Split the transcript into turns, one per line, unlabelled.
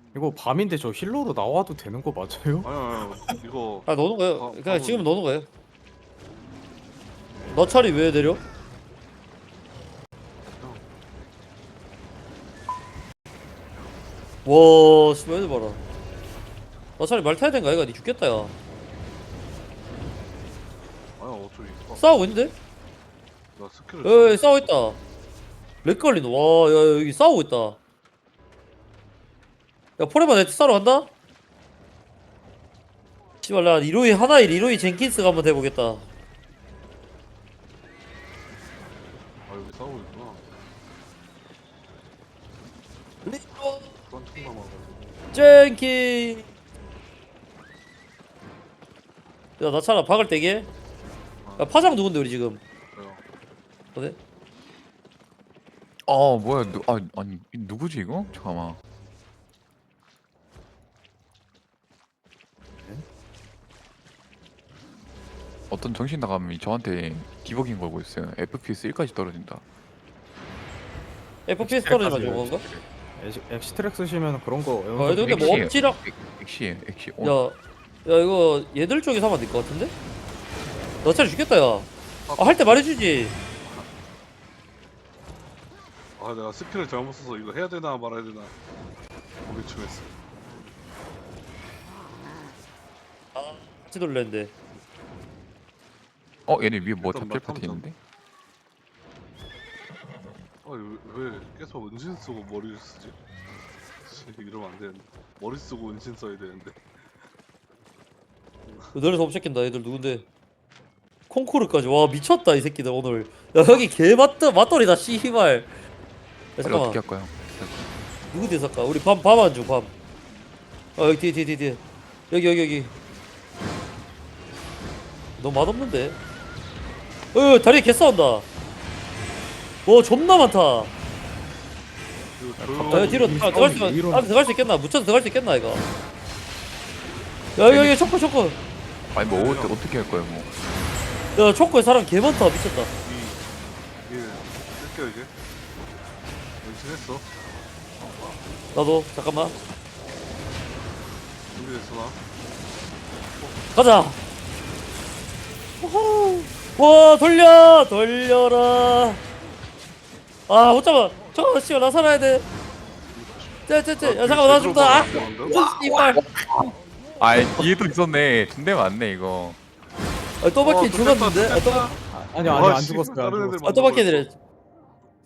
이거 밤인데 저 힐러로 나와도 되는 거 맞아요?
아니 이거
아 노는 거예요. 그냥
밤은-
지금 노는 거예요. 너 차리 왜 내려? 와 씨발 애들 봐라. 너 차리 말 타야 된가? 이거 니 죽겠다 야.
아니 어차피
싸우고 있는데?
나 스킬을
에이 싸우고 있다. 렉 걸린다. 와야 여기 싸우고 있다. 야 포레만 네트 싸러 간다? 씨발 나 리로이 하나에 리로이 젠킨스가 한번 해보겠다.
아 여기 싸우고 있구나.
리로
그런 총 남아가지고.
젠킨. 야 나 차라 박을 때게. 야 파장 누군데 우리 지금?
그래요.
어디?
뭐야 아니 누구지 이거? 잠깐만. 어떤 정신 나감이 저한테 디버깅 걸고 있어요. FPS 1까지 떨어진다.
FPS 떨어지면 좋은 건가?
엑시트랙 쓰시면 그런 거
아 근데 뭐
엑시에요.
엄지랑
엑시에 엑시.
야 이거 얘들 쪽에서 하면 될 것 같은데? 너 차례 죽겠다 야. 아, 할 때 말해주지.
아 내가 스킬을 잘못 써서 이거 해야 되나 말아야 되나 고민중했어.
같이 돌렸는데.
얘네 위에 뭐
탐탐,
잡힐 파트
탐탐.
있는데?
왜 계속 은신 쓰고 머리를 쓰지? 씨, 이러면 안 되는데. 머리 쓰고 은신 써야 되는데.
너네서 업시킨다 얘들 누군데? 콩쿠르까지 와 미쳤다 이 새끼들 오늘. 야 여기 개 맞돌이다 씨발. 야
빨리
잠깐만
어떻게 할까요?
누구 뒤에 살까? 우리 밤 안줘 밤. 아 여기 뒤에 여기. 너무 맛없는데? 다리에 개 싸운다. 와 존나 많다.
이거
갑자기
야
조용.
뒤로 들어갈 수
이런-
안에 들어갈 수 있겠나? 묻혀서 들어갈 수 있겠나 이거? 야 여기 초코.
아니 뭐 어떻게 할 거예요 뭐?
야 초코에 사람 개 많다 미쳤다.
이게 쓸게요 이제. 은신했어.
나도 잠깐만
준비됐어 나.
가자. 우후. 와 돌려라. 아 못 잡아. 잠깐만 씨발 나 살아야 돼. 쟤. 야 잠깐만 나 죽다. 아 씨발.
뒤에도 있었네. 군대 맞네 이거.
또 바퀴 죽었는데. 또
아니요
와,
안
씨,
죽었어요. 안
다른 애들
죽었어요.
바퀴 내려.